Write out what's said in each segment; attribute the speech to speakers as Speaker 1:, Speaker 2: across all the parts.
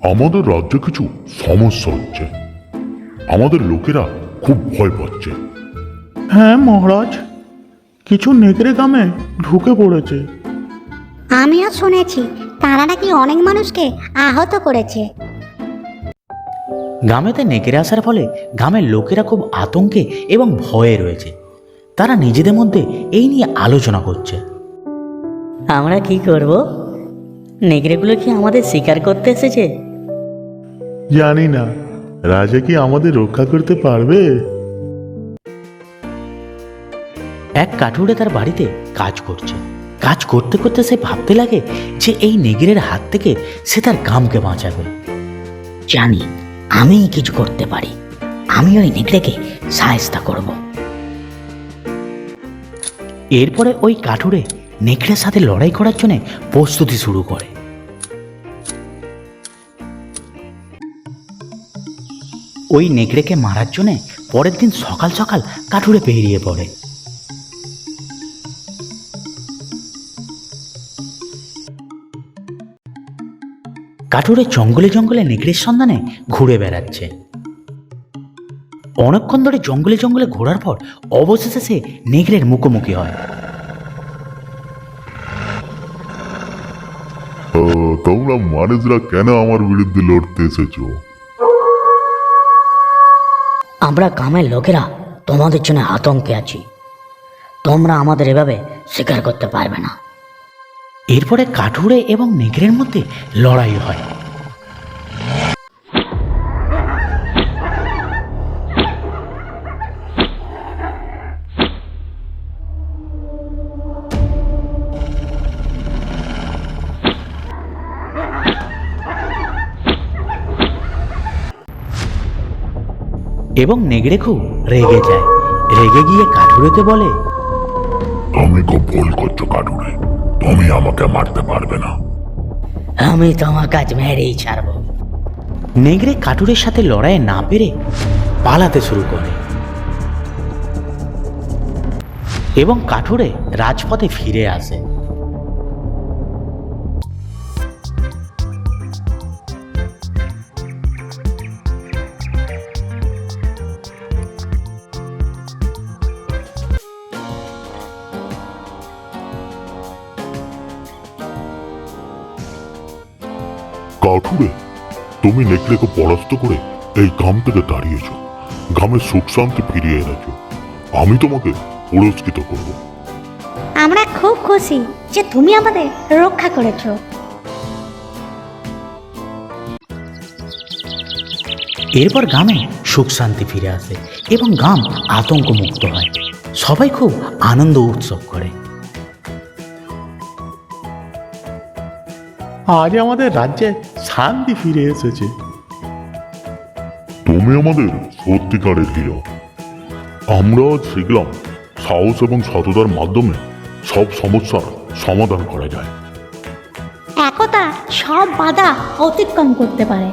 Speaker 1: আমাদের রাজ্যে কিছু সমস্যা হচ্ছে। আমাদের লোকেরা খুব ভয় পাচ্ছে।
Speaker 2: হ্যাঁ মহারাজ, কিছু নেকড়ে গ্রামে ঢুকে পড়েছে।
Speaker 3: আমিও শুনেছি তারা নাকি অনেক মানুষকে আহত করেছে।
Speaker 4: গ্রামেতে নেকড়ে আসার ফলে গ্রামের লোকেরা খুব আতঙ্কে এবং ভয়ে রয়েছে। তারা নিজেদের মধ্যে এই নিয়ে আলোচনা করছে।
Speaker 5: আমরা কি করব? নেকড়েগুলো কি আমাদের শিকার করতে এসেছে?
Speaker 2: জানি না, রাজা কি আমাদের রক্ষা করতে পারবে?
Speaker 4: এক কাঠুরে তার বাড়িতে কাজ করছে। কাজ করতে করতে সে ভাবতে লাগে যে এই নেগিরের হাত থেকে সে তার গ্রামকে বাঁচাবে।
Speaker 5: জানি আমি কিছু করতে পারি। আমি ওই নেকড়েকে সাহায্য করব।
Speaker 4: এরপরে ওই কাঠুরে নেকড়ের সাথে লড়াই করার জন্য প্রস্তুতি শুরু করে। ওই নেকড়েকে মারার জন্য পরের দিন সকাল সকাল কাঠুরে বেরিয়ে পড়ে। কাঠুরে জঙ্গলে জঙ্গলে নেকড়ের সন্ধানে ঘুরে বেড়াচ্ছে। অনেকক্ষণ ধরে জঙ্গলে জঙ্গলে ঘোরার পর অবশেষে সে নেকড়ের মুখোমুখি হয়।
Speaker 1: তোমরা মানুষরা কেন আমার বিরুদ্ধে লড়তে এসেছো?
Speaker 5: আমরা গ্রামের লোকেরা তোমাদের জন্য আতঙ্কে আছি। তোমরা আমাদের এভাবে শিকার করতে পারবে না।
Speaker 4: এরপরে কাঠুরে এবং নেকড়ের মধ্যে লড়াই হয়। এবং নেকড়ে খুব রেগে যায়। রেগে গিয়ে কাঠুরেকে বলে,
Speaker 1: তুমি খুব ভুল করছো কাঠুরে, তুমি আমাকে মারতে পারবে না।
Speaker 5: আমি তোমার কাজ মেরেই ছাড়বো।
Speaker 4: নেকড়ে কাঠুরের সাথে লড়াই না পেরে পালাতে শুরু করে এবং কাঠুরে রাজপথে ফিরে আসে।
Speaker 1: কাঠুরে, তুমি নেকড়েকে পরাস্ত করে এই গ্রাম থেকে দাঁড়িয়েছো, গ্রামের সুখ শান্তি ফিরিয়ে এনেছো। আমি তোমাকে পুরস্কৃত করব।
Speaker 3: আমরা খুব খুশি যে তুমি আমাদের রক্ষা করেছো।
Speaker 4: এরপর গ্রামে সুখ শান্তি ফিরে আসে এবং গ্রাম আতঙ্ক মুক্ত হয়। সবাই খুব আনন্দ উৎসব করে।
Speaker 2: আজ আমাদের রাজ্যে শান্তি ফিরে এসেছে।
Speaker 1: তুমি আমাদের সত্যিকারের হিরো। আমরা আজ শিখলাম সাহস এবং সততার মাধ্যমে সব সমস্যার সমাধান করা যায়।
Speaker 3: একতা সব বাধা অতিক্রম করতে পারে।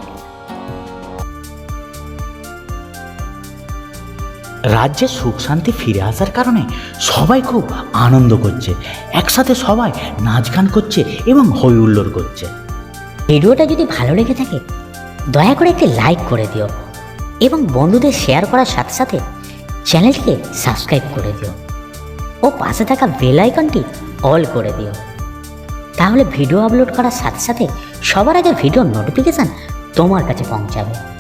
Speaker 4: রাজ্যে সুখ শান্তি ফিরে আসার কারণে সবাই খুব আনন্দ করছে। একসাথে সবাই নাচ গান করছে এবং হই হুল্লোড় করছে।
Speaker 5: ভিডিওটা যদি ভালো লেগে থাকে দয়া করে একটি লাইক করে দিও এবং বন্ধুদের শেয়ার করার সাথে সাথে চ্যানেলটিকে সাবস্ক্রাইব করে দিও ও পাশে থাকা বেল আইকনটি অল করে দিও। তাহলে ভিডিও আপলোড করার সাথে সাথে সবার আগে ভিডিওর নোটিফিকেশান তোমার কাছে পৌঁছাবে।